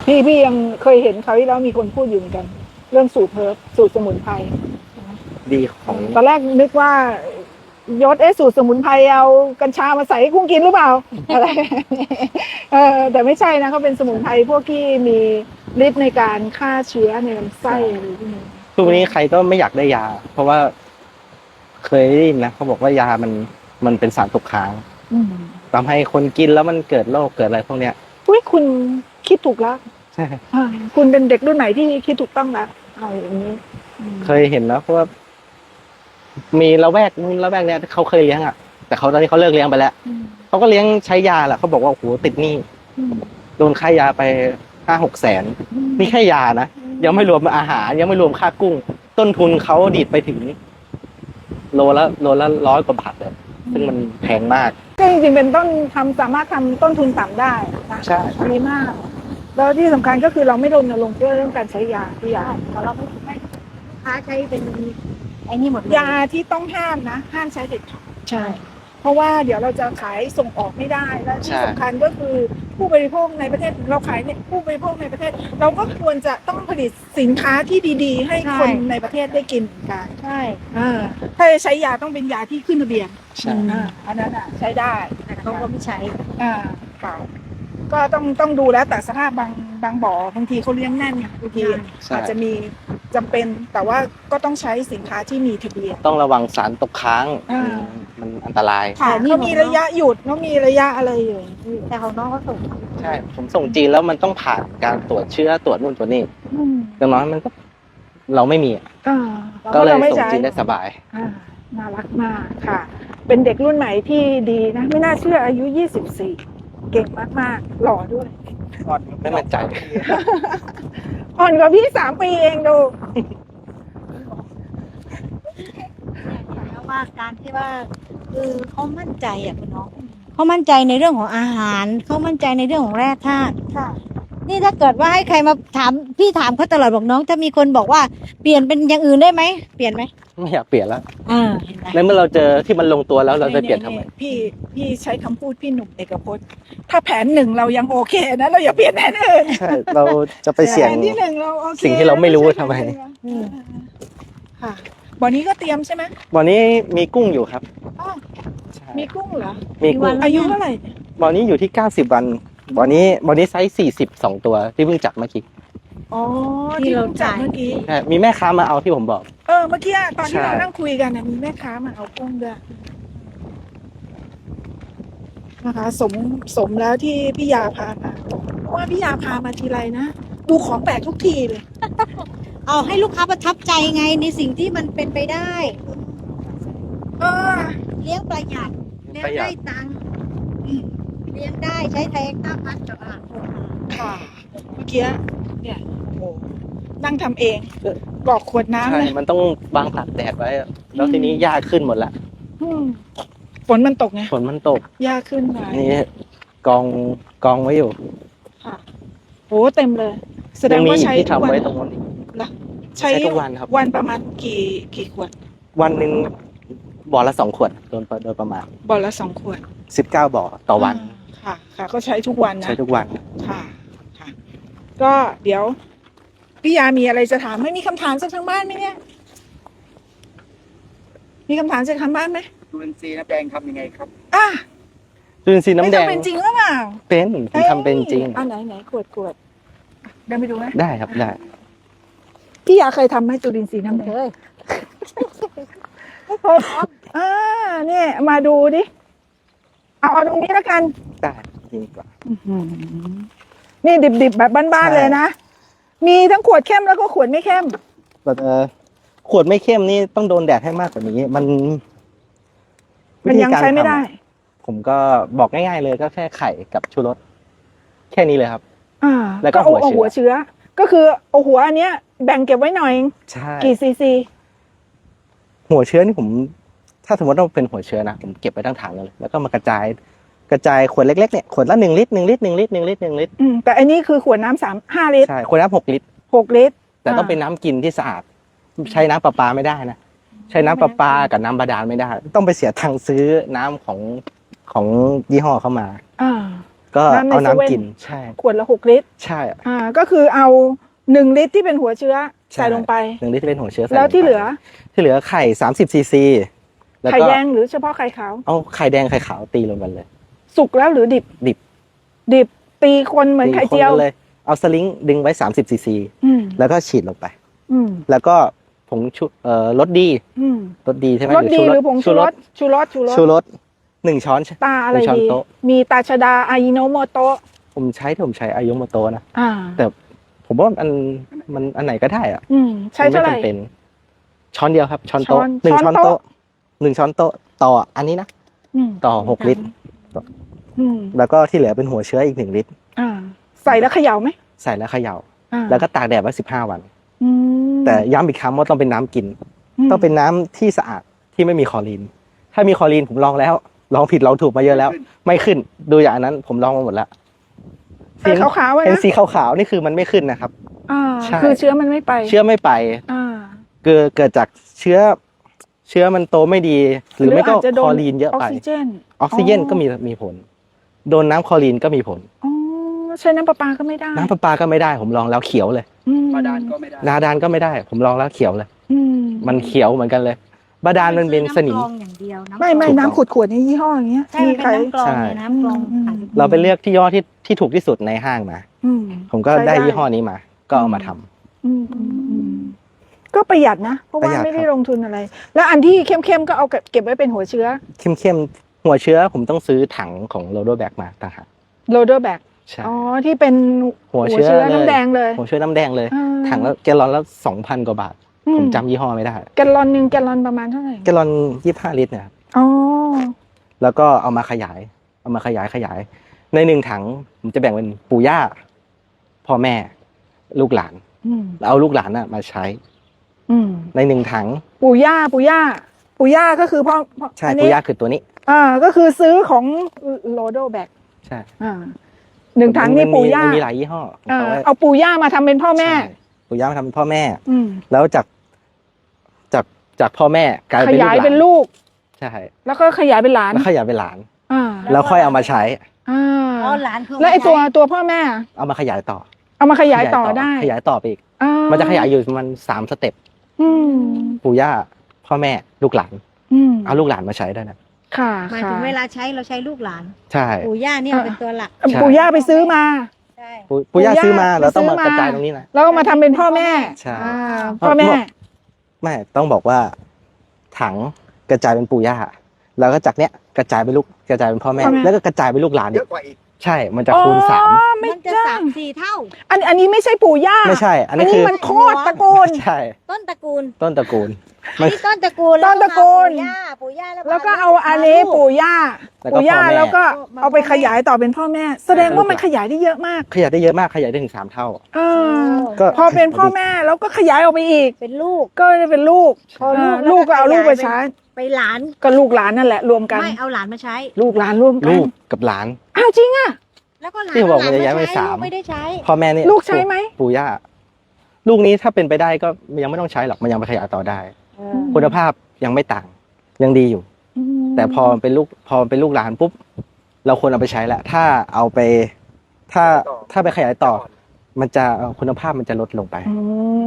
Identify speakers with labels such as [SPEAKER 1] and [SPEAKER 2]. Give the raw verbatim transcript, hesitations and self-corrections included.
[SPEAKER 1] พี่พี่ยังเคยเห็นเขาที่แล้วมีคนพูดอยู่เหมือนกัน เรื่องสูตรเพิร์บสูตรสมุนไพร
[SPEAKER 2] ดีของ
[SPEAKER 1] ตอนแรกนึกว่ายศเอ๊ะสูตรสมุนไพรเอากัญชามาใส่ให้กุ้งกินหรือเปล่าอะไรเออแต่ไม่ใช่นะเขาเป็นสมุนไพรพวกที่มีฤทธิ์ในการฆ่าเชื้อในลำไส้อะไรพวกนี้
[SPEAKER 2] ทุกวันนี้ใครก็ไม่อยากได้ยา เพราะว่าเคยได้ยินนะเขาบอกว่ายามันมันเป็นสารตกค้างทำให้คนกินแล้วมันเกิดโรคเกิดอะไรพวกเนี้ย
[SPEAKER 1] อุ้ยคุณคิดถูกแล้ว
[SPEAKER 2] ใช่
[SPEAKER 1] คุณเป็นเด็กรุ่นใหม่ที่คิดถูกต้องแล้วอะไรอย่างนี้
[SPEAKER 2] เคยเห็นแล้วเพราะว่ามีละแวกนู้นละแวกเนี้ยเขาเคยเลี้ยงอ่ะแต่เขาตอนนี้เขาเลิกเลี้ยงไปแล้วเขาก็เลี้ยงใช้ยาแหละเขาบอกว่าโอ้โหติดหนี้โดนค่ายาไปห้าหกแสนนี่แค่ยานะยังไม่รวมอาหารยังไม่รวมค่ากุ้งต้นทุนเขาดีดไปถึงโลละโลละร้อยกว่าบาทเลยซึ่งมันแพงมาก
[SPEAKER 1] ก็จริงๆเป็นต้นทำสามารถทำต้นทุนต่ำได้นะ
[SPEAKER 2] ใช่
[SPEAKER 1] ดีมากแล้วที่สำคัญก็คือเราไม่รณรงค์เรื่องการใช้ยาที่ยาเราไม่ไม่ค้าใช้เป็นไอ้นี่หมดยาที่ต้องห้ามนะห้ามใช้เด็ดขาดใช่เพราะว่าเดี๋ยวเราจะขายส่งออกไม่ได้และที่สำคัญก็คือผู้บริโภคในประเทศเราขายเนี่ยผู้บริโภคในประเทศเราก็ควรจะต้องผลิตสินค้าที่ดีๆให้คนในประเทศได้กินกันใช่ถ้าจะใช้ยาต้องเป็นยาที่ขึ้นทะเบียน
[SPEAKER 2] ใช่
[SPEAKER 1] อันนั้นอ่ะใช้ได้
[SPEAKER 3] แต่เขาก็ไม่ใช้
[SPEAKER 1] อ่าค่ะก็ต้องต้องดูแล้วแต่สภาพบางบางบ่อบางทีเขาเลี้ยงแน่นบางทีอาจจะมีจำเป็นแต่ว่าก็ต้องใช้สินค้าที่มีทะเบียน
[SPEAKER 2] ต้องระวังสารตกค้างมันอันตราย
[SPEAKER 1] ค่ะเขามีระยะหยุดเขามีระยะอะไรอยู่
[SPEAKER 3] แต่ของน้องก็ส่ง
[SPEAKER 2] ใช่ผมส่งจีนแล้วมันต้องผ่านการตรวจเชื้อตรวจนู่นตรวจนี่ดังนั้นมันก็เราไม่มีก็เลยส่งจีนได้สบาย
[SPEAKER 1] น่ารักมากค่ะเป็นเด็กรุ่นใหม่ที่ดีนะไม่น่าเชื่ออายุยี่สิบสี่เก่งมากๆหล่อด้วย
[SPEAKER 2] อ่อนไม่มั่นใจ
[SPEAKER 1] อ่อนกว่าพี่สามปีเองดู
[SPEAKER 3] แล้วว่าการที่ว่าคือเขามั่นใจอ่ะคุณน้องเขามั่นใจในเรื่องของอาหารเขามั่นใจในเรื่องของแร่ธาตุนี่ถ้าเกิดว่าให้ใครมาถามพี่ถามเขาตลอดบอกน้องถ้ามีคนบอกว่าเปลี่ยนเป็นอย่างอื่นได้ไหมเปลี่ยนไหม
[SPEAKER 2] ไม่อยากเปลี่ยนแล้ว
[SPEAKER 3] อ่า
[SPEAKER 2] ในเมื่อเราเจอที่มันลงตัวแล้วเราจะเปลี่ยนทำไม
[SPEAKER 1] พี่พี่ใช้คำพูดพี่หนุ่มเอกพจน์ถ้าแผนหนึ่งเรายังโอเคนะเราอย่าเปลี่ยนแผนอื่น
[SPEAKER 2] ใช่เราจะไปเสี่ยง
[SPEAKER 1] ที่หนึ่งเราโอเค
[SPEAKER 2] สิ่งที่เราไม่รู้ทำไม
[SPEAKER 1] ค่ะบ่อนี้ก็เตรียมใช่ไหม
[SPEAKER 2] บ่อนี้มีกุ้งอยู่ครับ
[SPEAKER 1] มีกุ้งเหรอ
[SPEAKER 2] มีกุ้ง
[SPEAKER 1] อายุเท่าไหร่
[SPEAKER 2] บ่อนี้อยู่ที่เก้าสิบวันบ่อนี้บ่อนี้ไซส์สี่สิบสองตัวที่เพิ่งจับเมื่อกี้
[SPEAKER 1] อ๋อที่เราจับเมื่อกี้
[SPEAKER 2] ใช่มีแม่ค้ามาเอาที่ผมบอก
[SPEAKER 1] เออเมื่อกี้ตอนที่เรานั่งคุยกันมีแม่ค้ามาเอากุ้งด้วยนะคะสมสมแล้วที่พี่ยาพามาเพราะว่าพี่ยาพามาทีไรนะดูของแปลกทุกทีเลย
[SPEAKER 3] เอาให้ลูกค้าประทับใจไงในสิ่งที่มันเป็นไปได้
[SPEAKER 1] เออ
[SPEAKER 3] เลี้ยงประหยัดเลี้ยงได้ตังค์เลี้ยงได้ใช้แทงต้าพัดกับอาหาร
[SPEAKER 1] ค่ะเมื่อกี้เนี่ยโอ้นั่งทำเองกรอกขวดน้ำเลย
[SPEAKER 2] มันต้องวางตากแดดไว้แล้วทีนี้หญ้าขึ้นหมดละ
[SPEAKER 1] ฝนมันตกไง
[SPEAKER 2] ฝนมันตก
[SPEAKER 1] หญ้าขึ้นมา
[SPEAKER 2] นี่กองกองไว้อยู่
[SPEAKER 1] ค่ะโอ้เต็มเลยแสดงว่าใช้
[SPEAKER 2] ทุกวันตรงนี้
[SPEAKER 1] ใช้ทุกวันครับวันประมาณกี่กี่ขวด
[SPEAKER 2] วันหนึ่งบ่อละสองขวดโดยโดยประมาณ
[SPEAKER 1] บ่อละสองขวด
[SPEAKER 2] สิบเก้าบ่อต่อวัน
[SPEAKER 1] ค่ะค่ะก็ใช้ทุกวันนะ
[SPEAKER 2] ใช้ทุกวัน
[SPEAKER 1] ค่ะค่ะก็เดี๋ยวพี่ยามีอะไรจะถามไม่มีคำถามจากทางบ้านไหมเนี่ยมีคำถามจากทางบ้านไหม
[SPEAKER 4] จุลินทรีย์น้ำแดงทำยังไงครับ
[SPEAKER 1] อ่ะ
[SPEAKER 2] จุลินทรีย์น้ำแดง
[SPEAKER 1] เป็นจริงหรือเปล่า
[SPEAKER 2] เป็นผมทำเป็นจริง
[SPEAKER 1] อ่ะไหนไหนขวดขวดเดินไปดูไหม
[SPEAKER 2] ได้ครับได้
[SPEAKER 1] พี่ยาเคยทำไหมจุลินทรีย์น้ำแดงเคยเคยอ่าเนี่ยมาดูดิเอาเอาตรงนี้แล้วกัน
[SPEAKER 2] ได้ดีกว่า
[SPEAKER 1] นี่ดิบๆแบบบ้านๆเลยนะมีทั้งขวดเข้มแล้วก็ขวดไม่เข้ม
[SPEAKER 2] แบบเออขวดไม่เข้มนี่ต้องโดนแดดให้มากกว่านี้มัน
[SPEAKER 1] มันยังใช้ไม่ได้
[SPEAKER 2] ผมก็บอกง่ายๆเลยก็แค่ไข่กับชูรสแค่นี้เลยครับ
[SPEAKER 1] อ่าแล้วก็หัวเชื้อก็คือเอาหัวอันเนี้ยแบ่งเก็บไว้หน่อย
[SPEAKER 2] ใช่
[SPEAKER 1] กี่ซีซี
[SPEAKER 2] หัวเชื้อนี่ผมถ้าสมมติว่าเป็นหัวเชื้อนะผมเก็บไปทั้งถังเลยแล้วก็มากระจายกระจายขวดเล็กๆเนี่ยขวดละหนึ่งลิตรหนึ่งลิตรหนึ่งลิตรหนึ่งลิตรหนึ่งลิตร
[SPEAKER 1] อืมแต่อันนี้คือขวดน้ำสามห้าลิตร
[SPEAKER 2] ใช่ขวดน้ำหกลิตร
[SPEAKER 1] หกลิตร
[SPEAKER 2] แต่ต้องเป็นน้ำกินที่สะอาดใช้น้ำประปาไม่ได้นะใช้น้ำประปากับน้ำบาดาลไม่ได้ต้องไปเสียตังค์ซื้อน้ำของของยี่ห้อเข้ามา
[SPEAKER 1] อ่า
[SPEAKER 2] ก็
[SPEAKER 1] น้ำใน
[SPEAKER 2] เอา
[SPEAKER 1] เซเว่น
[SPEAKER 2] น้ำกินใช่
[SPEAKER 1] ขวดละหกลิตร
[SPEAKER 2] ใช่
[SPEAKER 1] อ่าก็คือเอาหนึ่งลิตรที่เป็นหัวเชื้อ
[SPEAKER 2] ใช่
[SPEAKER 1] ใส่ลงไป
[SPEAKER 2] หนึ่งลิตรที่เป็นหัวเชื้อใส่
[SPEAKER 1] แล้วที่
[SPEAKER 2] งไป
[SPEAKER 1] เหลือ
[SPEAKER 2] ที่เหลือไข่สามสิบซีซีแล้ว
[SPEAKER 1] ไข่
[SPEAKER 2] ก็
[SPEAKER 1] แดงหรือเฉพาะไข่ขาว
[SPEAKER 2] เอาไข่แดงไข่ขาวตีลงกันเลย
[SPEAKER 1] สุกแล้วหรือดิบ
[SPEAKER 2] ดิบ
[SPEAKER 1] ดิบตีคนเหมือนไข่เจียว
[SPEAKER 2] ตีคนกันเลยเอาสลิงดึงไว้สามสิบซีซี
[SPEAKER 1] อืม
[SPEAKER 2] แล้วก็ฉีดลงไป
[SPEAKER 1] อืม
[SPEAKER 2] แล้วก็ผงชูเอ่อรสดี
[SPEAKER 1] อืม
[SPEAKER 2] รสดีใช่ไหม
[SPEAKER 1] รสดีหรือผงชูรสชูรสชูรส
[SPEAKER 2] ชูรสหนึ่งช้อน
[SPEAKER 1] ตาอะไร
[SPEAKER 2] หนึ่งช้อน
[SPEAKER 1] ดี
[SPEAKER 2] โต๊ะ
[SPEAKER 1] มีตาชดาอายิโนโมโตะ
[SPEAKER 2] ผมใช้ที่ผมใช้อายุโมโตะนะ
[SPEAKER 1] อ่า
[SPEAKER 2] แต่ผมว่ามันมันอันไหนก็ได้อะ
[SPEAKER 1] อืมใช้เท่าไหร่
[SPEAKER 2] ม่จำเป็นช้อนเดียวครับ ช้อนโต๊ะ
[SPEAKER 1] ช้อน
[SPEAKER 2] หนึ่ง
[SPEAKER 1] ช้
[SPEAKER 2] ช้
[SPEAKER 1] อ
[SPEAKER 2] อน น
[SPEAKER 1] โต๊ะ
[SPEAKER 2] โต๊ะหนึ่งช้อนโต๊ะต่ออันนี้นะ
[SPEAKER 1] อืม
[SPEAKER 2] ต่อหกลิตร
[SPEAKER 1] อืม
[SPEAKER 2] แล้วก็ที่เหลือเป็นหัวเชื้ออีกหนึ่งลิตร
[SPEAKER 1] อ่าใส่แล้วเขย่าไหม
[SPEAKER 2] ใส่แล้วเขย่า
[SPEAKER 1] อ่า
[SPEAKER 2] แล้วก็ตากแดดไว้สิบห้าวัน
[SPEAKER 1] อืม
[SPEAKER 2] แต่ย้ำอีกครั้งว่าต้องเป็นน้ำกิน
[SPEAKER 1] ม
[SPEAKER 2] ต้องเป็นน้ำที่สะอาดที่ไม่มีคลอรีน ถ้ามีคลอรีนผมลองแล้ว ลองผิดลองถูกมาเยอะแล้ว ไม่ขึ้น ดูอย่างนั้นผมลองมาหมดแล้ว
[SPEAKER 1] ไข่ขาวๆอะ
[SPEAKER 2] เห็น
[SPEAKER 1] นะ
[SPEAKER 2] สีขาวๆนี่คือมันไม่ขึ้นนะครับ
[SPEAKER 1] อ่า
[SPEAKER 2] ใช่
[SPEAKER 1] คือเชื้อมันไม่ไป
[SPEAKER 2] เชื้อไม่ไป
[SPEAKER 1] อ่า
[SPEAKER 2] เกิดเกิดจากเชื้อ เชื้อมันโตไม่ดี หรือไม่ก็
[SPEAKER 1] อาจจะโด
[SPEAKER 2] คลอรีนเยอะ
[SPEAKER 1] ออก
[SPEAKER 2] ไป
[SPEAKER 1] ซิเจน
[SPEAKER 2] ออกซิเจนก็มีมีผล โดนน้ำคลอรีนก็มีผล
[SPEAKER 1] อ๋อใช้น้ำประปาก็ไม่ได้
[SPEAKER 2] น้ำประปาก็ไม่ได้ ผมลองแล้วเขียวเลย
[SPEAKER 1] อืม
[SPEAKER 4] บาดาลก็ไม่ได้
[SPEAKER 2] นาดานก็ไม่ได้ ผมลองแล้วเขียวเลย
[SPEAKER 1] อืม
[SPEAKER 2] มันเขียวเหมือนกันเลย บาดาลมันเป็นสนิม
[SPEAKER 3] ำกรองอย่างเดียวน้ำ
[SPEAKER 1] ไม่ไม่
[SPEAKER 3] กรอง
[SPEAKER 1] น้ำขวดขวดๆนี่ยี่ห้ออย่างเงี้ย
[SPEAKER 3] ใช่มันเป็น
[SPEAKER 1] ใคร
[SPEAKER 3] น้ำกรอง
[SPEAKER 2] ใช่
[SPEAKER 3] เนี่ยน้ำกรอง
[SPEAKER 1] อืม
[SPEAKER 3] ขายเป็น
[SPEAKER 2] เราไปเลือกที่ย่ห้อที่ที่ถูกที่สุดในห้างมา
[SPEAKER 1] อืม
[SPEAKER 2] ผมก็
[SPEAKER 1] ใช้
[SPEAKER 2] ได้ยี่ห้อนี้มา ก็เอามาทำ
[SPEAKER 1] อืมอืมอืมก็ประหยัดนะ เพราะ
[SPEAKER 2] ประ
[SPEAKER 1] ว่า
[SPEAKER 2] หยัด
[SPEAKER 1] ไม่ได้
[SPEAKER 2] ครับ
[SPEAKER 1] ลงทุนอะไร แล้วอันที่เข้มๆก็เอาเก็บเก็บไว้เป็นหัวเชื้อ
[SPEAKER 2] เข้มๆหัวเชื้อผมต้องซื้อถังของโรโดแบกมาต่างหาก
[SPEAKER 1] โรเดอร์แบก
[SPEAKER 2] ใช่
[SPEAKER 1] อ๋อที่เป็น
[SPEAKER 2] หัวเชื้อเลย
[SPEAKER 1] น้ำแดงเลย
[SPEAKER 2] หัวเชื้อน้ำแดงเลย
[SPEAKER 1] อ่า
[SPEAKER 2] ถังละแกลลอนละสองพันกว่าบาท
[SPEAKER 1] อื
[SPEAKER 2] ผมจำยี่ห้อไม่ได้
[SPEAKER 1] แกลลอนหนึ่งแกลลอนประมาณเท่าไหร่
[SPEAKER 2] แกลลอนยี่ห้าลิตรเนี่ยครับ
[SPEAKER 1] อ๋อ
[SPEAKER 2] แล้วก็เอามาขยาย เอามาขยายขยาย ในหนึ่งถังผมจะแบ่งเป็นปู่ย่า พ่อแม่ ลูกหลาน
[SPEAKER 1] อืม
[SPEAKER 2] แล้วเอาลูกหลานน่ะมาใช้
[SPEAKER 1] อืม
[SPEAKER 2] ในหนึ่งถัง
[SPEAKER 1] ปู่ย่าปู่ย่าปู่ย่าก็คือพ่อพ่อ
[SPEAKER 2] ใช่
[SPEAKER 1] อันนี้
[SPEAKER 2] ปู่ย่าคือตัวนี้
[SPEAKER 1] อ่าก็คือซื้อของโรโดแบก
[SPEAKER 2] ใช่
[SPEAKER 1] อ่าหนึ่งถังนี่
[SPEAKER 2] มัมี
[SPEAKER 1] ปู่ย่า
[SPEAKER 2] มันมีหลายยี่ห้อ
[SPEAKER 1] อ่า
[SPEAKER 2] เอาไว้
[SPEAKER 1] เอาปู่ย่ามาทำเป็นพ่อแม่
[SPEAKER 2] ใช่ปู่ย่ามาทำเป็นพ่อแม่
[SPEAKER 1] อืม
[SPEAKER 2] แล้วจากจากจากพ่อแม่กลาย
[SPEAKER 1] ข
[SPEAKER 2] เป็นลูก
[SPEAKER 1] ยาย
[SPEAKER 2] หลาน
[SPEAKER 1] เป็นลูก
[SPEAKER 2] ใช่
[SPEAKER 1] แล้วก็ขยายเป็นหลาน
[SPEAKER 2] แล้วขยายเป็นหลาน
[SPEAKER 1] อ่า
[SPEAKER 2] แล้วค่อยเอามาใช้
[SPEAKER 1] อ่า
[SPEAKER 3] อ๋อหลานคือ
[SPEAKER 1] แล้วไอ้ตัวตัวพ่อแม่
[SPEAKER 2] เอามาขยายต่อ
[SPEAKER 1] เอามาขยายต่อได้
[SPEAKER 2] ขยายต่อไปอีก
[SPEAKER 1] อ่า
[SPEAKER 2] มันจะขยายอยู่ประมันสามสเต็ป
[SPEAKER 1] อืม
[SPEAKER 2] ปู่ย่าพ่อแม่ลูกหลาน
[SPEAKER 1] อืม
[SPEAKER 2] เอาลูกหลานมาใช้ได้นะ
[SPEAKER 1] ค่ะ
[SPEAKER 3] หมาย
[SPEAKER 1] ค่ะ
[SPEAKER 3] ถึงเวลาใช้เราใช้ลูกหลาน
[SPEAKER 2] ใช่
[SPEAKER 3] ปู่ย่าเนี่ยเป็นตัวหลัก
[SPEAKER 1] เอ่อปู่ย่าไปซื้อมา
[SPEAKER 3] ใช่
[SPEAKER 2] ปู่ปู่ย่า
[SPEAKER 1] ปู่ย่า
[SPEAKER 2] ซื้อมา
[SPEAKER 1] ไป
[SPEAKER 2] เราต้องมา
[SPEAKER 1] ซื้อมาก
[SPEAKER 2] ระจายตรงนี้นะ
[SPEAKER 1] แล้วก็มาทำเป็นพ่อแม่
[SPEAKER 2] ใช่
[SPEAKER 1] อ่าพ่อแม่
[SPEAKER 2] ไม่ต้องบอกว่า ถังกระจายเป็นปู่ย่าแล้วก็จากเนี้ยกระจายเป็นลูกกระจายเป็นพ่อแม่
[SPEAKER 1] พ่อแม่
[SPEAKER 2] แล้วก็กระจายเป็นลูกหลาน
[SPEAKER 4] เย
[SPEAKER 2] อีก
[SPEAKER 4] อะกว่าอีก
[SPEAKER 2] ใช่มันจะคูณสาม
[SPEAKER 1] อ๋อไม่
[SPEAKER 3] มันจะ
[SPEAKER 1] จ้า
[SPEAKER 3] สามสี่เท่า
[SPEAKER 1] อันอันนี้ไม่ใช่ปู่ย่า
[SPEAKER 2] ไม่ใช่ อัน
[SPEAKER 1] อัน
[SPEAKER 2] นี้
[SPEAKER 1] นี้
[SPEAKER 2] คือ
[SPEAKER 1] มันโคตรตระกูล
[SPEAKER 2] ใช่
[SPEAKER 3] ต้นตระกูล
[SPEAKER 2] ต้นตระกูล
[SPEAKER 3] อันนี้ต้นตระกูล
[SPEAKER 1] ต้นตระกูล
[SPEAKER 3] แวมาปู่ย่าปู่ย่าแล้ว
[SPEAKER 1] แล้วก็เอาอันนี้ปู่ย่า
[SPEAKER 2] แล้วก็
[SPEAKER 1] ปู่ย่า
[SPEAKER 2] พ่อแม่
[SPEAKER 1] แล้วก็เอาไปขยายต่อเป็นพ่อแม่ แสดงว่ามันขยายได้เยอะมาก
[SPEAKER 2] ขยายได้เยอะมากขยายได้ถึงสามเท่า
[SPEAKER 1] เออ
[SPEAKER 2] ก็
[SPEAKER 1] พอเป็นพ่อแม่แล้วก็ขยายออกไปอีก
[SPEAKER 3] เป็นลูก
[SPEAKER 1] ก็จะเป็นลูก
[SPEAKER 3] พอลูก
[SPEAKER 1] เออลูกก็เอาลูกไปใช้
[SPEAKER 3] ไปหลาน
[SPEAKER 1] ก็ลูกหลานนั่นแหละรวมกัน
[SPEAKER 3] ไม่เอาหลานมาใช้
[SPEAKER 1] ลูกหลานรวมกั
[SPEAKER 2] ลู
[SPEAKER 1] น
[SPEAKER 2] กกับหลาน
[SPEAKER 1] อ้าวจริงอ่ะ
[SPEAKER 3] แล้วก็หลาน
[SPEAKER 2] ที่บอก
[SPEAKER 3] เอหล
[SPEAKER 2] มันจะย้ายไป
[SPEAKER 3] ใช้
[SPEAKER 2] สาม
[SPEAKER 3] ลูกไม่ได้ใช้
[SPEAKER 2] พ่อแม่นี่
[SPEAKER 1] ลูกใช้ไหม
[SPEAKER 2] ปู่ย่าลูกนี้ถ้าเป็นไปได้ก็ยังไม่ต้องใช้หรอกมันยังไปขยายต่อได้
[SPEAKER 3] เออ
[SPEAKER 2] คุณภาพยังไม่ต่าง ยังดีอยู่
[SPEAKER 1] อืม
[SPEAKER 2] แต่พอเป็นลูกพอเป็นลูกหลานปุ๊บเราควรเอาไปใช้แหละถ้าเอาไป ถ้าถ้าไปขยายต่อ มันจะคุณภาพมันจะลดลงไป
[SPEAKER 1] อืม